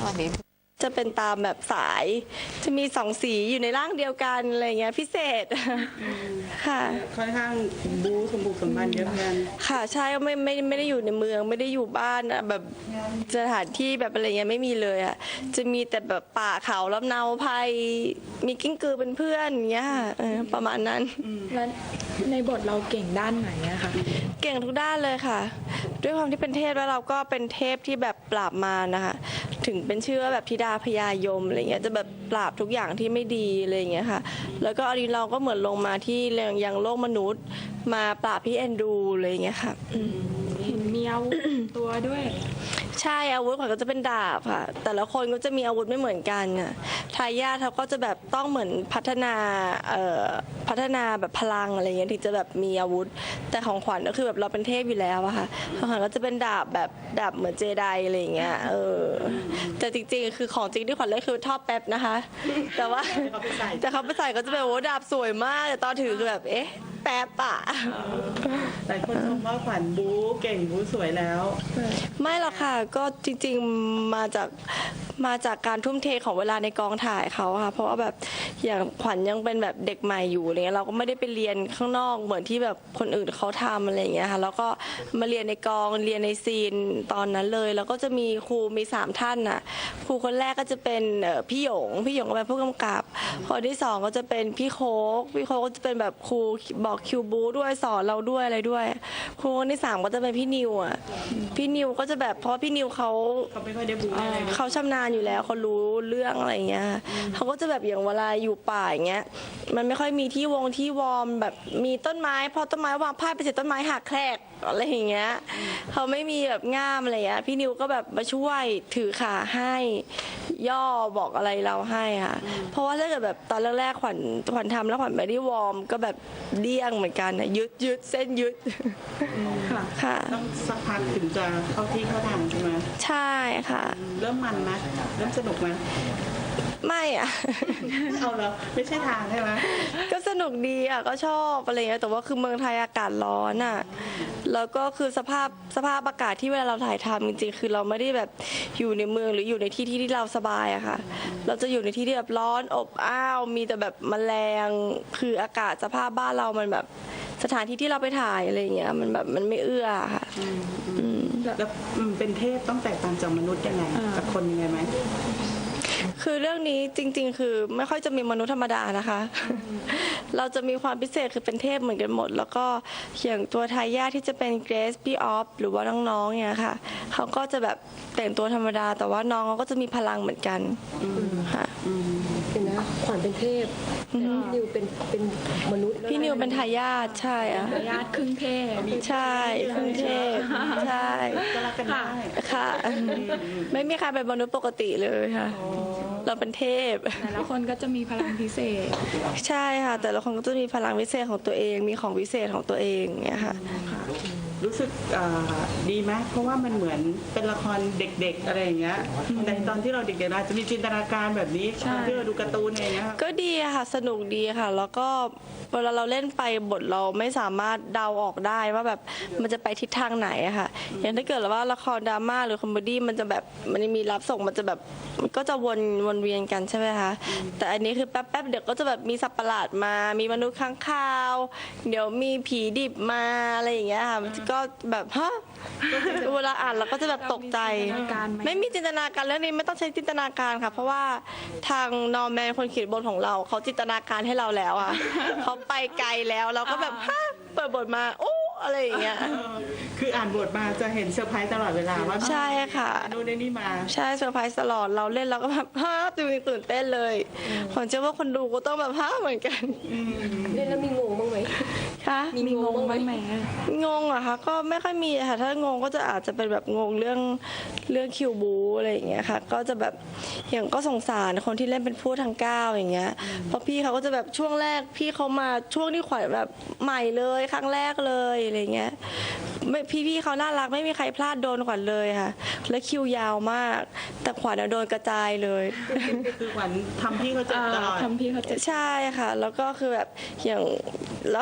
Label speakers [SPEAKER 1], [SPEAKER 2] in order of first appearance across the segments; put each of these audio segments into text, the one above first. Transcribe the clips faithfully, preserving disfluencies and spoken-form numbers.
[SPEAKER 1] วันนี้
[SPEAKER 2] จะเป็นตามแบบสายจะมีสองสีอยู่ในร่างเดียวกันอะไรเงี้ยพิเศษค่ะ
[SPEAKER 3] ค่อนข้างบู๊สมบุกสมบันเยอะเหมือนกัน
[SPEAKER 2] ค่ะใช่ไม่ไม่ไม่ได้อยู่ในเมืองไม่ได้อยู่บ้านอะแบบสถานที่แบบอะไรเงี้ยไม่มีเลยอ่ะจะมีแต่แบบป่าเขาลำเนาไพรมีกิ้งกือเป็นเพื่อนเงี้ยเออประมาณนั้น
[SPEAKER 4] แล้วในบทเราเก่งด้านไหนอะคะ
[SPEAKER 2] เก่งทุกด้านเลยค่ะด้วยความที่เป็นเทพแล้วเราก็เป็นเทพที่แบบปราบมารนะคะถึงเป็นชื่อว่าแบบธิดาพญายมอะไรเงี้ยจะแบบปราบทุกอย่างที่ไม่ดีอะไรเงี้ยค่ะแล้วก็อันนี้เราก็เหมือนลงมาที่ยังโลกมนุษย์มาปราบพี่แอนดูอะไรเงี้ยค่ะ
[SPEAKER 4] เห็นมีอาวุธตัวด้วย
[SPEAKER 2] ใช่อาวุธของก็จะเป็นดาบค่ะแต่ละคนก็จะมีอาวุธไม่เหมือนกันน่ะทายาทเขาก็จะแบบต้องเหมือนพัฒนาเอ่อพัฒนาแบบพลังอะไรเงี้ยถึงจะแบบมีอาวุธแต่ของขวัญก็คือแบบเราเป็นเทพอยู่แล้วอะค่ะของขวัญก็จะเป็นดาบแบบดาบเหมือนเจไดอะไรเงี้ยเออแต่จริงๆคือของจริงที่ขวัญเล่นคือท่อแป๊บนะคะแต่ว่าแต่เขาไปใส่ก็จะเป็นโอ้ดาบสวยมากแต่ตอนถือคือแบบเอ๊ะแป๊บอะ
[SPEAKER 3] หลายคนชมว่าขวัญบู๊เก่งบู๊สวยแล้ว
[SPEAKER 2] ไม่หรอกค่ะก็จริงๆมาจากมาจากการทุ่มเทของเวลาในกองถ่ายเขาค่ะเพราะว่าแบบอย่างขวัญยังเป็นแบบเด็กใหม่อยู่อะไรเงี้ยเราก็ไม่ได้ไปเรียนข้างนอกเหมือนที่แบบคนอื่นเขาทำอะไรเงี้ยค่ะแล้วก็มาเรียนในกองเรียนในซีนตอนนั้นเลยแล้วก็จะมีครูมีสามท่านน่ะครูคนแรกก็จะเป็นพี่หยงพี่หยงก็เป็นผู้กำกับคนที่สองก็จะเป็นพี่โคกพี่โคกก็จะเป็นแบบครูบอกคิวบูด้วยสอนเราด้วยอะไรด้วยครูคนที่สามก็จะเป็นพี่นิวอ่ะพี่นิวก็จะแบบเพราะพี่นิวเขา
[SPEAKER 3] เขาไม่ค่อยได้บูอะไร
[SPEAKER 2] เขาชำนาญอยู่แล้วเขารู้เรื่องอะไรเงี้ยเขาก็จะแบบอย่างเวลาอยู่ป่าอย่างเงี้ยมันไม่ค่อยมีที่วงที่วอร์มแบบมีต้นไม้พอต้นไม้วางพาดไปเสร็จต้นไม้หักแครกอะไรอย่างเงี้ยเขาไม่มีแบบง่ามอะไรเงี้ยพี่นิวก็แบบมาช่วยถือขาให้ย่อบอกอะไรเราให้ค่ะเพราะว่าถ้าเกิดแบบตอนแรกๆขวัญขวัญทำแล้วขวัญไม่ได้วอร์มก็แบบเดี้ยงเหมือนกันนะยึดยึดเส้นยึด
[SPEAKER 3] ค่ะต้องสักพักถึงจะเข้าที่เข้าทางใช่ไหม
[SPEAKER 2] ใช่ค่ะ
[SPEAKER 3] เริ่มมันไหมเริ่มสนุกไหม
[SPEAKER 2] ไม่อะ
[SPEAKER 3] เอาแล้วไม่ใช่ทางใช่ไหม
[SPEAKER 2] ก็สนุกดีอะก็ชอบอะไรเงี้ยแต่ว่าคือเมืองไทยอากาศร้อนอะแล้วก็คือสภาพสภาพอากาศที่เวลาเราถ่ายทำจริงๆคือเราไม่ได้แบบอยู่ในเมืองหรืออยู่ในที่ที่ที่เราสบายอะค่ะเราจะอยู่ในที่ที่แบบร้อนอบอ้าวมีแต่แบบแมลงคืออากาศสภาพบ้านเรามันแบบสถานที่ที่เราไปถ่ายอะไรเงี้ยมันแบบมันไม่เอื้อค่ะ
[SPEAKER 3] แล้วเป็นเทพต้องแตกต่างจากมนุษย์ยังไงกับคนยังไงไหม
[SPEAKER 2] คือเรื่องนี้จริงๆคือไม่ค่อยจะมีมนุษย์ธรรมดานะคะเราจะมีความพิเศษคือเป็นเทพเหมือนกันหมดแล้วก็อย่างตัวทายาทที่จะเป็นเกรซพี่ออฟหรือว่าน้องๆเนี่ยค่ะเขาก็จะแบบแต่งตัวธรรมดาแต่ว่าน้องเขาก็จะมีพลังเหมือนกันค่ะ
[SPEAKER 5] เป็นนะขวัญเป็นเทพพี่นิวเป็นเป็นมนุษย์
[SPEAKER 2] พี่นิวเป็นทายาทใช่อะ
[SPEAKER 4] ทายาทครึ่งเทพ
[SPEAKER 2] ใช่ครึ่งเทพใช่
[SPEAKER 3] ก็รักกันได้
[SPEAKER 2] ค่ะไม่มีใครเป็นมนุษย์ปกติเลยค่ะเราเป็นเทพ
[SPEAKER 4] แต่ละคนก็จะมีพลังพิเศษ
[SPEAKER 2] ใช่ค่ะแต่ละคนก็จะมีพลังพิเศษของตัวเองมีของพิเศษของตัวเองเนี่ยค่ะ
[SPEAKER 3] รู้สึกดีไหมเพราะว่ามันเหมือนเป็นละครเด็กๆอะไรอย่างเงี้ยในตอนที่เราเด็กๆเราจะมีจินตนาการแบบนี้ที่เราดูการ์ตูนอะไรเงี้ย
[SPEAKER 2] ก็ดีค่ะสนุกดีค่ะแล้วก็เวลาเราเล่นไปบทเราไม่สามารถเดาออกได้ว่าแบบมันจะไปทิศทางไหนอะค่ะอย่างถ้าเกิดว่าละครดราม่าหรือคอมเมดี้มันจะแบบมันมีรับส่งมันจะแบบมันก็จะวนวนเวียนกันใช่ไหมคะแต่อันนี้คือแป๊บๆเดี๋ยวก็จะแบบมีสัตว์ประหลาดมามีมนุษย์ข้างคาวเดี๋ยวมีผีดิบมาอะไรอย่างเงี้ยค่ะก็แบบฮะเวลาอ่านเราก็จะแบบตกใจไม่มีจินตนาการเรื่องนี้ไม่ต้องใช้จินตนาการค่ะเพราะว่าทางนอร์แมนคนเขียนบทของเราเขาจินตนาการให้เราแล้วอ่ะเขาไปไกลแล้วเราก็แบบฮะเปิดบทมาโอ้อะไรอย่างเงี้ย
[SPEAKER 3] คืออ่านบทมาจะเห็นเซอร์ไพรส์ตลอดเวลาว่า
[SPEAKER 2] ใช่ค่ะ
[SPEAKER 3] โน่นนี่มา
[SPEAKER 2] ใช่เซอร์ไพรส์ตลอดเราเล่นเราก็แบบฮะตื่นตื่นเต้นเลยผมเชื่อว่าคนดูก็ต้องแบบฮะเหมือนกัน
[SPEAKER 5] เล่นแล้วมีงงบ้างไหม
[SPEAKER 2] คะ
[SPEAKER 4] มีงงบ้างไหม
[SPEAKER 2] งงอะคะก็ไม่ค่อยมีค่ะถ้างงก็จะอาจจะเป็นแบบงงเรื่องเรื่องคิวบูอะไรอย่างเงี้ยค่ะก็จะแบบอย่างก็สงสารคนที่เล่นเป็นผู้ทางก้าวอย่างเงี้ยเพราะพี่เขาก็จะแบบช่วงแรกพี่เขามาช่วงที่ขวัญแบบใหม่เลยครั้งแรกเลยอะไรเงี้ยไม่พี่ๆเขาน่ารักไม่มีใครพลาดโดนขวัญเลยค่ะและคิวยาวมากแต่ขวัญโดนกระจายเลย
[SPEAKER 3] คือขวัญทำพี่เขาเจ็บตลอด
[SPEAKER 4] ทำพี่เขาเจ็บ
[SPEAKER 2] ใช่ค่ะแล้วก็คือแบบอย่างแล้วของขวัญ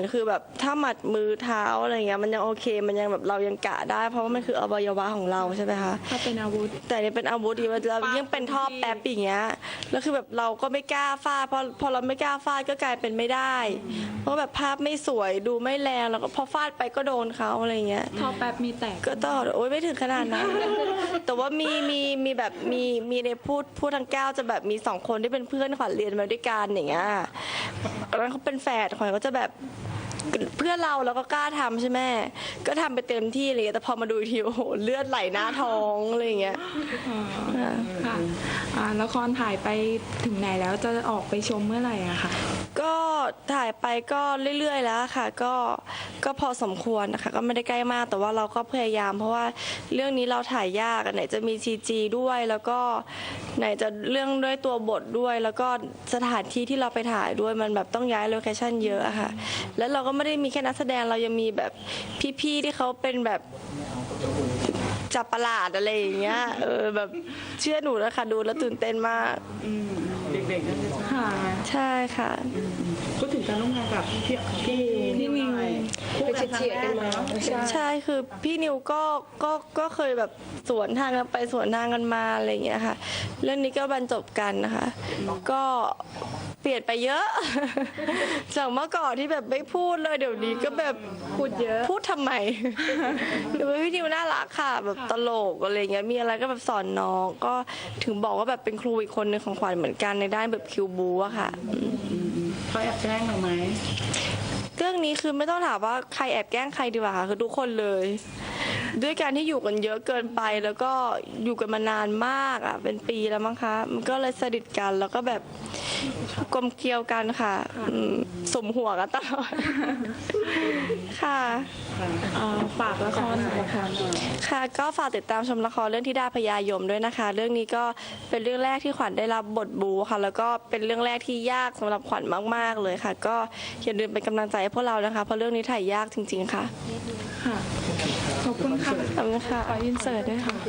[SPEAKER 2] คือแบบถ้าหมัดมือเท้าอะไรเงี้ยมันยังโอเคมันยังแบบเรายังกะได้ เพราะว่ามันคืออวัยวะของเราใช่ไหมคะ
[SPEAKER 4] ถ้าเป็นอาวุธ
[SPEAKER 2] แต่นี่เป็นอาวุธอีกเรายิ่งเป็นท่อแป๊บอย่างเงี้ยแล้วคือแบบเราก็ไม่กล้าฟาดพอพอเราไม่กล้าฟาดก็กลายเป็นไม่ได้ เพราะแบบภาพไม่สวยดูไม่แรงแล้วก็พอฟาดไปก็โดนเขาอะไรเงี้ย
[SPEAKER 4] ท่อแป๊บมีแตก
[SPEAKER 2] ก็ต้องโอ๊ยไม่ถึงขนาดนั้น แต่ว่ามีมีมีแบบมีมีในพูดพูดทางแก้วจะแบบมีสองคนที่เป็นเพื่อนขวัญเรียนมาด้วยกันอย่างเงี้ยแล้วเขาเป็นแฝดขวัญก็จะแบบเพื่อนเราแล้วก็กล้าทำใช่ไหมก็ทำไปเต็มที่อะไรเงี้ยแต่พอมาดูอีกทีโอ้โหเลือดไหลหน้าท้องอะไรเงี้ย
[SPEAKER 4] ค่ะอ่าละครถ่ายไปถึงไหนแล้วจะออกไปชมเมื่อไหร่อะค่ะ
[SPEAKER 2] ก็ถ่ายไปก็เรื่อยๆแล้วค่ะก็ก็พอสมควรนะคะก็ไม่ได้ใกล้มากแต่ว่าเราก็พยายาม เพราะว่าเรื่องนี้เราถ่ายยากอะไหนจะมี ซี จี ด้วยแล้วก็ไหนจะเรื่องด้วยตัวบทด้วย แล้วก็สถานที่ที่เราไปถ่ายด้วยมันแบบต้องย้ายโลเคชั่นเยอะอะค่ะแล้วเราก็ไม่ได้มีแค่นักแสดงเรายังมีแบบพี่ๆที่เขาเป็นแบบจับประหลาดอะไรอย่างเงี้ยเออแบบเชื่อหนูนะคะดูแล้วตื่นเต้นมาก
[SPEAKER 3] อืมเด็กๆนั่นจะชอบ
[SPEAKER 4] ค่ะ
[SPEAKER 2] ใช่ค่ะ
[SPEAKER 3] พูดถึงการร่วมงานกับพี่พี่นิวหน่อยคู่
[SPEAKER 5] ไป
[SPEAKER 3] กันครั้ง
[SPEAKER 5] เฉียด
[SPEAKER 3] แร
[SPEAKER 5] ๆกัน
[SPEAKER 3] ก
[SPEAKER 5] มา
[SPEAKER 3] เนาะ
[SPEAKER 2] ใช่คือพี่นิวก็ก็ก็เคยแบบสวนทางกันไปสวนทางกันมาอะไรอย่างเงี้ยค่ะ เรื่องนี้ก็บรรจบกันนะคะ ก็เปลี่ยนไปเยอะ จากเมื่อก่อนที่แบบไม่พูดเลยเดี๋ยวนี้ก็แบบ
[SPEAKER 4] พูดเยอะ
[SPEAKER 2] พูดทำไม หรือว่าพี่นิวน่ารักค่ะ แบบตลกอะไรเงี้ยมีอะไรก็แบบสอนน้องก็ถึงบอกว่าแบบเป็นครูอีกคนหนึ่งของขวัญเหมือนกันในด้านแบบคิวบูอะค่ะอืม
[SPEAKER 3] อืมเขาแอบแกล้งเราไหม
[SPEAKER 2] เรื่องนี้คือไม่ต้องถามว่าใครแอบแกล้งใครดีกว่าค่ะคือทุกคนเลย ด้วยการที่อยู่กันเยอะเกินไปแล้วก็อยู่กันมานานมากอ่ะเป็นปีแล้วมั้งคะมันก็เลยสนิทกันแล้วก็แบบกลมเกลียวกันค่ะอืมสมหัวกันตลอด ค่ะ
[SPEAKER 4] อ่าฝากละครหน่อยค่ะ
[SPEAKER 2] ค่ะก็ฝากติดตามชมละครเรื่องที่ดาพญายมด้วยนะคะ เรื่องนี้ก็เป็นเรื่องแรกที่ขวัญได้รับบทบูค่ะ แล้วก็เป็นเรื่องแรกที่ยากสำหรับขวัญมากๆเลยค่ะ ก็อย่าลืมเป็นกำลังใจให้พวกเรานะคะเพราะเรื่องนี้ถ่ายยากจริง ๆค่ะ
[SPEAKER 4] ค่ะ ขอบคุณค่ะ
[SPEAKER 2] ขอบคุณค่ะ
[SPEAKER 4] ขออินเสิร์ตด้วยค่ะ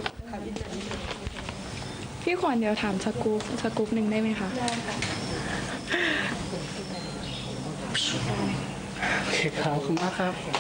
[SPEAKER 4] พี่ขวัญเดี๋ยวถามสกู๊ปสกู๊ปหนึ่งได้ไหมคะ
[SPEAKER 1] โอเคครับขอบคุณมากครับ